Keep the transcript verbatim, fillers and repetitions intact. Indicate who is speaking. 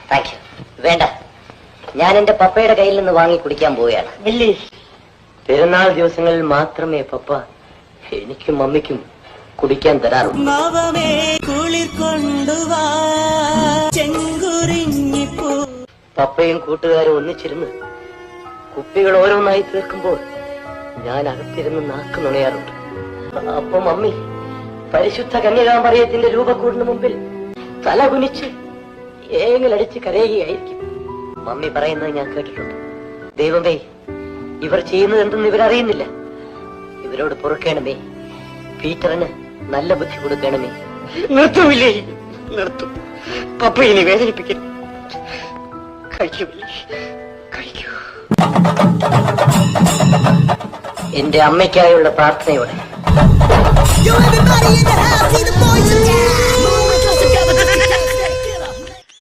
Speaker 1: Thank you. വേണ്ട, ഞാൻ എന്റെ പപ്പയുടെ കയ്യിൽ നിന്ന് വാങ്ങി കുടിക്കാൻ പോവുകയാണ്.
Speaker 2: ബില്ലി,
Speaker 1: പെരുന്നാൾ ദിവസങ്ങളിൽ മാത്രമേ പപ്പ എനിക്കും മമ്മിക്കും കുടിക്കാൻ തരാറുള്ളൂ. പപ്പയും കൂട്ടുകാരും ഒന്നിച്ചിരുന്ന് കുപ്പികൾ ഓരോന്നായി തീർക്കുമ്പോൾ ഞാൻ അകത്തിരുന്ന് നാക്ക് നുണയാറുണ്ട്. അപ്പൊ മമ്മി പരിശുദ്ധ കന്യകാമറിയത്തിന്റെ രൂപക്കൂടിന് മുമ്പിൽ തല കുനിച്ച് ഏങ്ങലടിച്ച് കരയുകയായിരിക്കും. മമ്മി പറയുന്നത് ഞാൻ കേട്ടിട്ടുണ്ട്. ദൈവമേ, ഇവർ ചെയ്യുന്നത് എന്തെന്ന് ഇവരറിയുന്നില്ല. ഇവരോട് പൊറുക്കണമേ, പീറ്ററിന് നല്ല ബുദ്ധി കൊടുക്കണമേ.
Speaker 2: നിർത്തുമില്ലേ? നിർത്തും. പപ്പ ഇനി വേദനിപ്പിക്കും. കഴിക്കൂല്ലേ? കഴിക്കൂ.
Speaker 1: എന്റെ അമ്മയ്ക്കായുള്ള പ്രാർത്ഥനയോടെ.
Speaker 3: Yo, everybody in the house, see the boys in town.